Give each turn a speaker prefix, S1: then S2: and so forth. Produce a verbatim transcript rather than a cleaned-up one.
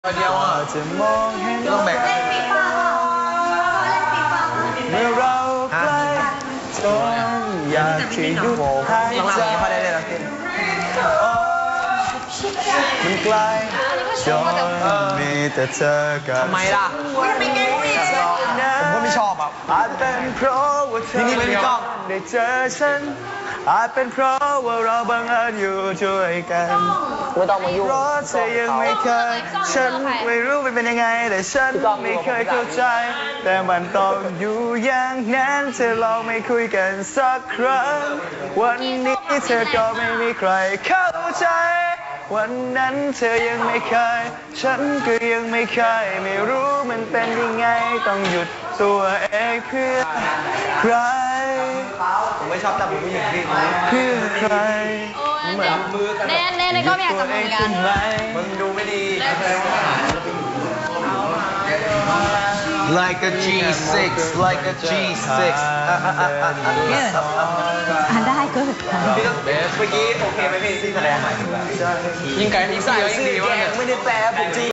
S1: เดียวอ่ะจะมองเห็นต้องแบ่ง
S2: เล่นฟีฟ่าเปล่าเล่นฟีฟ่า
S1: เมื่อเราใกล้จนอยากที่หยุดหายใจมันไกลจนมีแต่เธอกับ
S3: ทำไมล่ะ
S2: ทำไมแกไม่ชอบ
S3: ผมก็ไม่ชอบอ่ะ
S1: อาจเป็นเพราะว่าเธอ
S3: นี่นี่ไม่ชอบ
S1: ได้เจอฉันอาจเป็นเพราะว่าเราบังเอิญอยู่ด้วยกัน
S3: ไม่ต้องมายุ่ง
S1: เพราะเธอยังไม่เคยฉันไม่รู้มันเป็นยังไงแต่ฉันไม่เคยเข้าใจ แต่มันต้องอยู่อย่างนั้นเธอลองไม่คุยกันสักครั้งวันนี้เธอก็ไม่มีใครเข้าใจวันนั้นเธอยังไม่เคยฉันก็ยังไม่เคยไม่รู้มันเป็นยังไงต้องหยุดตัวเองเพื่อใคร
S3: ผมไม่ชอบจับมือผู้หญิงพี่
S1: เพื่อใคร
S2: เหมือนมือกันแน่แน่ในก็ไม่อยากจับมือกัน
S3: มึงดูไม่ดี
S4: Like a จี ซิกซ์ like a จี ซิกซ์
S2: อ่านได้ก็
S3: เมื่อกี้โอเคไหมพี่ที่แสดง
S1: ใจ
S3: ยิงไก่ยิงใส่ยิงดีวะ
S1: ไม่ได้แปลผมจริง